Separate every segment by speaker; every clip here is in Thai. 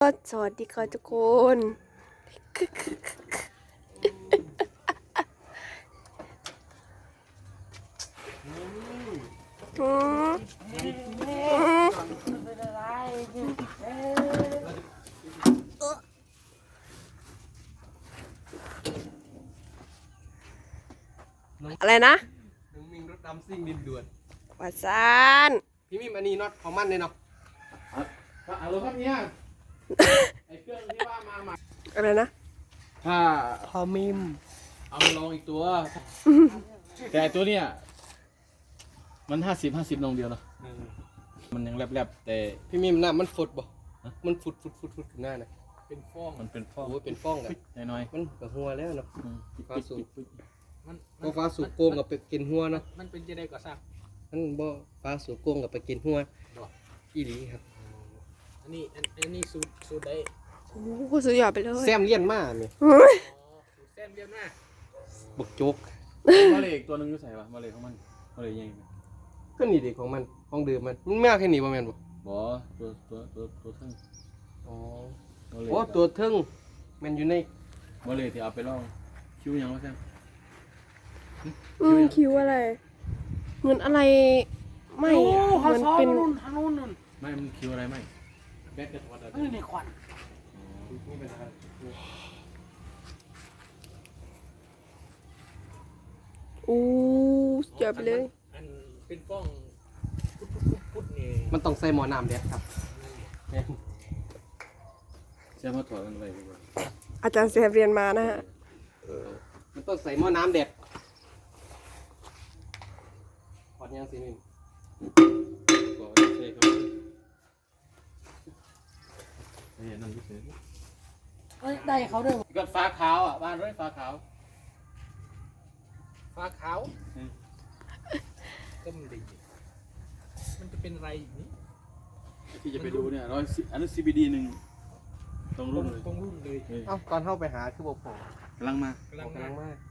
Speaker 1: สวัสดีค่ะทุกคน อะไรนะ
Speaker 2: น้องมิงรถดำซิ่งดินด่วน
Speaker 1: วาซาน
Speaker 2: พี่มิมอันนี้น็อตของมันเลยเนาะฮัลโหลครับเนี่ยไอเครื่องที่ว่ามาใหม่
Speaker 1: อะไรนะ
Speaker 3: ถ้า
Speaker 2: พอมิม
Speaker 3: เอามาลองอีกตัว แต่ตัวเนี้ยมัน50 ลงเดียวเนาะมันยังแลบๆแต่
Speaker 2: พี่มิมหน้ามันฝุดบ่มันฝุดขึ้นหน้านะเป็นฟอง
Speaker 3: มันเป็นฟอง
Speaker 2: โอ้เป็นฟองกัน
Speaker 3: น้อย
Speaker 2: มันกับหัวแล้วเนาะ
Speaker 3: ๆอืม
Speaker 2: ฟ้าสูบ
Speaker 4: มัน
Speaker 2: ก็ฟ้าสูบโกงกับไปกินหัวเนาะ
Speaker 4: มันเป็นจะได้ก่อสร้าง
Speaker 2: มันบ่ฟ้าสูบโกงกับไปกินหัวอีหลีครับ
Speaker 4: อันนี้สูตรได้
Speaker 1: โอ้โหสุดยอดไปเลย
Speaker 2: แซมเลี้ยนมาเนี่ย
Speaker 1: เฮ้ย
Speaker 4: สูตรแซมเดียวหน้า
Speaker 2: บักโจ๊ก
Speaker 3: มาเลยอีกตัวหนึงก็ใส่ปะมาเลยของมันมาเลยยังไง
Speaker 2: ก็นี่ดิของมันของเดิมมันไม่เอาแค่นี้บ่แม่นบ่
Speaker 3: บ่ตัวเท่ง
Speaker 2: อ๋อ
Speaker 3: มาเลย
Speaker 2: โอ้ตัวเทิงมันอยู่ใน
Speaker 3: มาเลยที่เอาไปลองคิ้วยังวะแซม
Speaker 1: คิวอะไรเหมือนอะไรไม่อะมันเป็น
Speaker 4: ทางนู้นนู่น
Speaker 3: ไม่มันคิ้วอะไรไม่แบตกระถอดอะไร
Speaker 4: ในควัน
Speaker 2: นี่เป็นอะไร
Speaker 1: อู้สุดยอดไปเลย
Speaker 4: อันเป็นฟ้องพุดนี่
Speaker 2: มันต้องใส่หม้อน้ำเด็ดครับแม่น
Speaker 3: แซมมาถอดกันไปดีกว่า
Speaker 1: อาจารย์เสียเรียนมานะฮะ
Speaker 2: มันต้องใส่หม้อน้ำเด็ดพอดยังสิมิม
Speaker 3: ก่อนใช่ครับเฮ้ยนั่นพิเศษ
Speaker 4: ได้เขาด้วย
Speaker 3: ก็ฟ้าขาวอ่ะบ้านด้วยฟ้าขาว
Speaker 4: ฟ้าขาวก็มันดีมันจะเป็นอะไรอย่างนี้
Speaker 3: ที่จะไปดูเนี่ยอันนั้น CBD 1ตรงรุ่นเลย
Speaker 4: ตรงรุ่นเลย
Speaker 3: เฮ้ย
Speaker 2: เอ้าตอนเข้าไปหาคือบ่พอก
Speaker 3: ำลังมา
Speaker 4: กำลัง
Speaker 2: กำลังมาก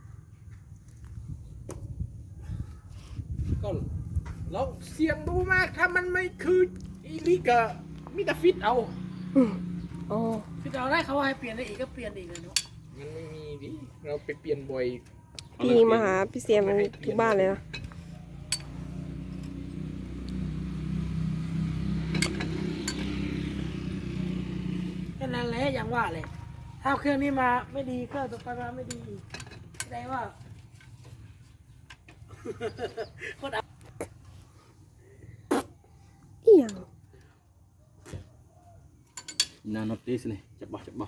Speaker 4: ก็เราเสี่ยงดูมากถ้ามันไม่คืออีลิกะมิตาฟิตเอา
Speaker 1: อ๋อ
Speaker 5: คือเราได้เขาให้เปลี่ยนได้อีกก็เปลี่ยนอีกเลยเนาะ
Speaker 4: มันไม่มีดิเราไปเปลี่ยนบ่อย
Speaker 1: พี่มาหาพี่เสียมทุกบ้านเลยนะ
Speaker 5: แค่นั้นแหละอย่างว่าเลยถ้าเครื่องนี้มาไม่ดีเครื่องต่อไปมาไม่ดีแสดงว่า คนเอา
Speaker 1: อีหยัง
Speaker 3: นาโนติสนี่จับบ่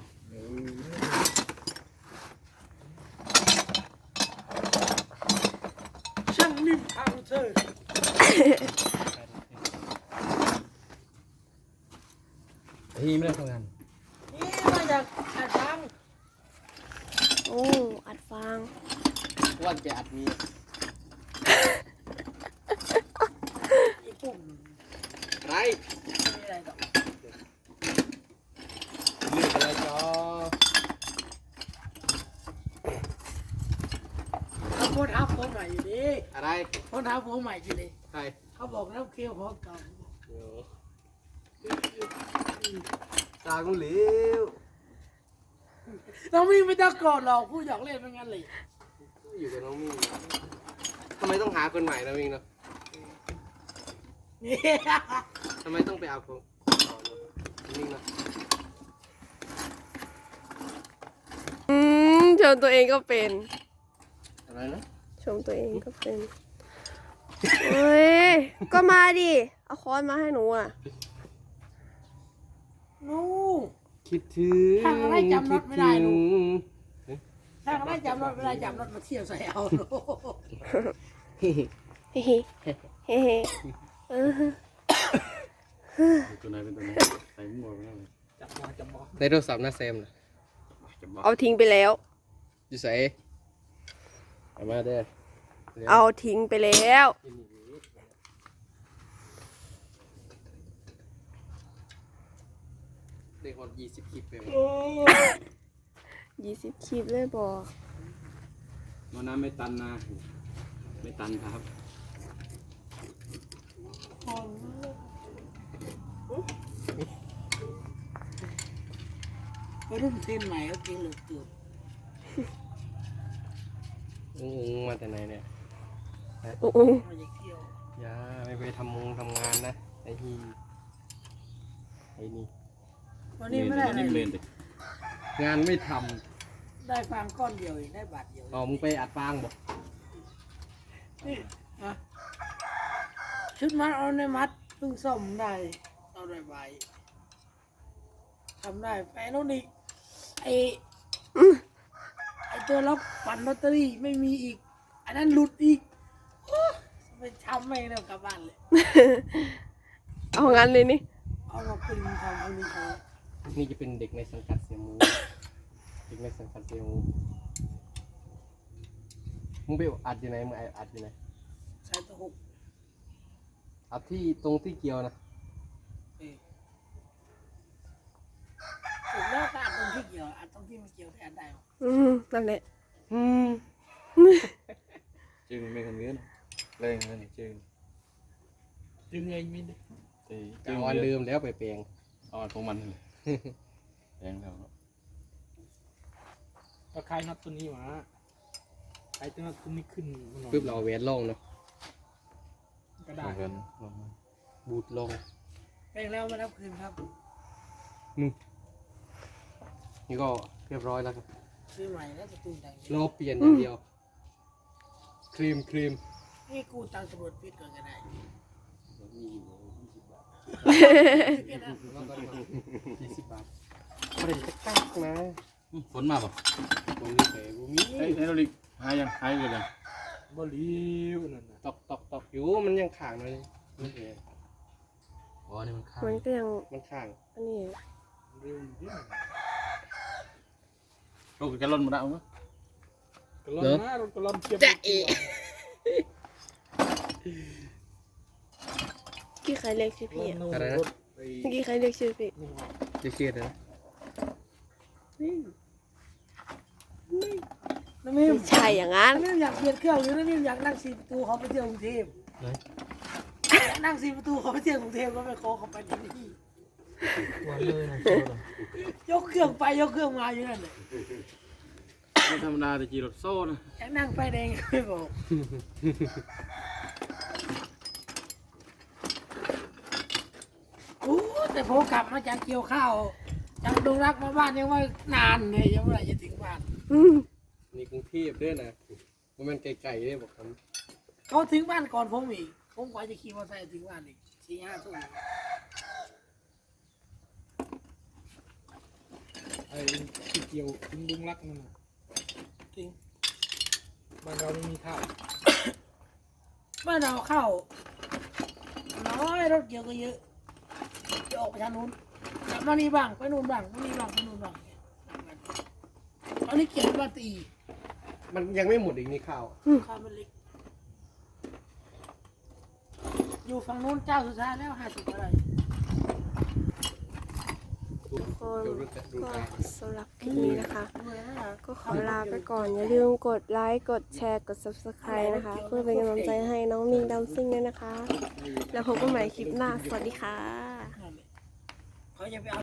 Speaker 5: ช่างนิ่มทางเธอ
Speaker 3: ที่ไม่ได้ทำงาน
Speaker 5: นี่มาจากอาจารย์
Speaker 1: โอ้อัดฟาง
Speaker 2: ว่าจะอัดมี
Speaker 5: อีกปุ่ม
Speaker 2: อะไร
Speaker 5: ไม่มีอะไรต่อ
Speaker 2: เลือกอะไรจอ
Speaker 5: เขาโพสต์อัพโพสต์ใหม่อยู่ดิ
Speaker 2: อะไร
Speaker 5: โพสต์อัพโพสต์ใหม่อยู่ดิ
Speaker 2: ใคร
Speaker 5: เขาบอกน้ำเคี้ยวของเก่า
Speaker 2: เดี๋ยวตากูเหลว
Speaker 5: เราไม่ต้องโกรธหรอกผู้หยอกเล่นเป็นงั้นเลย
Speaker 2: อยู่กับน้องมิ่งทำไมต้องหาคนใหม่นะมิ่งเนาะ
Speaker 5: นี่
Speaker 2: ทำไมต้องไปเอาคนต่อเนาะมิ่งเนาะ
Speaker 1: ชมตัวเองก็เป็น
Speaker 2: อะไรนะ
Speaker 1: ชมตัวเองก็เป็นเฮ้ยก็มาดิเอาค้อนมาให้หนูอ่ะ
Speaker 5: นู่
Speaker 2: คิดถึง
Speaker 5: ทางอะไรจำรถไม่ได้ลูก
Speaker 2: คิด
Speaker 5: ถ้าเขาได้จำรถไม่ได้จำรถมาเที่ยวใส่เอาโน่
Speaker 2: ถึง
Speaker 1: เฮ้เฮ้เฮ้เฮ้เออ
Speaker 3: ตัวไหนเป็นตัวไหนใส่หมวกไปแล้วเลย
Speaker 4: จับมอ
Speaker 2: ในโทรศัพท์นะแซมนะ
Speaker 3: จับบ่
Speaker 1: เอาทิ้งไปแล้ว
Speaker 2: อยู่ใส่เอามาเด้อ
Speaker 1: เอาทิ้งไปแล้ว
Speaker 2: เด็กคน20 คลิปไปวะ
Speaker 1: 20 คลิปเลยบอก
Speaker 3: มันน้ำไม่ตันนะไม่ตันครับ
Speaker 5: ไปรุ่นเทรนใหม่ก็กินเหลือเกิน
Speaker 2: มาแต่ไหนเนี่ย
Speaker 1: โอ้โห
Speaker 5: มาจากเที่ยว
Speaker 2: อย่าไม่ไปทำงานนะไอ้นี่
Speaker 5: วันนี้ไม่ได้อะไร
Speaker 3: นี่
Speaker 5: เล
Speaker 3: เล่
Speaker 5: ย
Speaker 3: นดิ
Speaker 2: งานไม่ท
Speaker 5: ได้ฟางก้อนเดียวเองได้บาทเดียว
Speaker 2: ำเอามึงไปอัดฟางบอก
Speaker 5: นี่อะชุดมัดเอาในมัดเพิ่งซ่อมได้เอาได้ใบทำได้แฟนโน่นอีกไอตัวล็อกปั่นลอตเตอรี่ไม่มีอีกอันนั้นหลุดอีกโอ้ไปทำไม่ได้กลับบ้านเลย
Speaker 1: เอางั้นเลยนี่
Speaker 5: เอามาปริงทำพวกนี้เขา
Speaker 2: นี่จะเป็นเด็กในสังกัดเสียหมูเด็กในสังกัดเสียหมูมึงไปอัดอยู่ไหนมึงอัดอยู่ไหน
Speaker 5: ใช้ตะหก
Speaker 2: อัดที่ตรงที่เกี่ยวนะ
Speaker 5: ถูกแล้วก็อัดตรงที่เกี่ยวอัดตรงที่ไม่เกี่ยวแต่อัดได้หรอ
Speaker 1: นั่นแหละ
Speaker 3: จึงไม่คนเงี้ยเล่นนั่นจึง
Speaker 5: ดึงเองไม่ได้
Speaker 3: ตี
Speaker 2: จะเอาอันเดิมแล้วไปแปลง
Speaker 3: เอาอันของมันเลยแรงแล้ว
Speaker 4: ก็คลายน็อตตัวนี้มาคลายตัวน็อตตัวนี้ขึ้นมาหน่อย
Speaker 2: ปึ๊บเราเอาแหวนลงเนาะ
Speaker 4: ก็ได้
Speaker 3: เอากัน
Speaker 2: บูทลง
Speaker 5: แปลงแล้วมารับคืนครับ
Speaker 2: นี่ก็เรียบร้อยแล้วครับ
Speaker 5: ซื้อใหม่แล้วจะตูนตังค์
Speaker 2: รอเปลี่ยนอย่างเดียวครีม
Speaker 5: นี่กูตังค์ตำรวจปิดก่อนก็ได้
Speaker 2: แล้วก็20 บาทไม่ได้จะกักนะ
Speaker 3: ฝนมาป่ะ
Speaker 2: ตรงนี้แต่บุมี
Speaker 3: เฮ้ยโรลิกหายยังหายเลยยัง
Speaker 4: บริวนั่นน่ะ
Speaker 2: ตอกอยู่มันยังข่างเลยนี่เอง
Speaker 3: อ๋อนี่มันข้าง
Speaker 1: มันก็ยัง
Speaker 2: มันข่าง
Speaker 1: อันนี้
Speaker 4: เร็วนิดหน่อย
Speaker 3: ลูกแกล่นมาได้มั้ย
Speaker 4: กระลอนนะรถกระลอนเทียบ
Speaker 1: กี่ใครเรียกชื่อพี่อะ
Speaker 2: อะไรนะ
Speaker 1: เมื่อกี้ใครเรียกชื่อพี่
Speaker 2: จะเครียดนะ
Speaker 5: น้ำมิม
Speaker 1: ไม่ใช่อย่างนั้น
Speaker 5: น้ำมิมอยากเปลี่ยนเครื่องหรือน้ำมิมอยากนั่ง4 ประตูเขาไปเที่ยวกรุงเทพอยากนั่ง4 ประตูเขาไปเที่ยวกรุงเทพก็ไปขอเขาไปที่นี่
Speaker 4: วันเลยนะ
Speaker 5: ยกเครื่องไปยกเครื่องมาอยู่นั่นเลย
Speaker 3: ไม่ธรรมดาแต่จีรถโซ่นะ
Speaker 5: อยากนั่งไฟแดงไม่บอกโอ้แต่ผมกลับมาจากเกี่ยวข้าวจากดงรักมาบ้านยังว่านานเลยยังไม่จะถึงบ้าน
Speaker 2: นี่กรุงเทพด้วยนะมันไกลๆด้วยบอกค
Speaker 5: เขาถึงบ้านก่อนผมอีกผมกว่าจะขี่มอเตอร์ไซค์ถึงบ้านอีก4-5 ทุ่ม
Speaker 4: ไอ้ที่เกี่ยวถึงลุงรักนั่นน่ะ
Speaker 5: จริง
Speaker 4: บ้านเราไม่มีข้าว
Speaker 5: บ้านเราเข้าน้อยรถเกี่ยวก็เยอะจะออกไปทางนู้นกลับมานี่บ้างไปนู่นบ้างมานี่บ้างไปนู่นบ้างตอนนี้เกี่ยวกับบ้านตี
Speaker 2: ำมันยังไม่หมดอีกนี่ข้าว
Speaker 5: ข้าวมันเล็กอยู่ฝั่งนู้นเจ้าสุดท้ายแล้ว50 อะไร
Speaker 1: ทุกคน
Speaker 2: ดู
Speaker 1: ก็
Speaker 2: ตา
Speaker 1: สำหรับคลิปนี้นะคะ
Speaker 5: เหนื่อยแล้วนะ
Speaker 1: ก็ขอลาไปก่อน อย่าลืมกดไลค์ กดแชร์ กด subscribe นะคะ เพื่อเป็นกำลังใจให้น้องมิงดำซิ่งด้วยนะคะ แล้วพบกันใหม่คลิปหน้า สวัสดีค่ะ
Speaker 5: นั่นแหละเขาจะไปเอา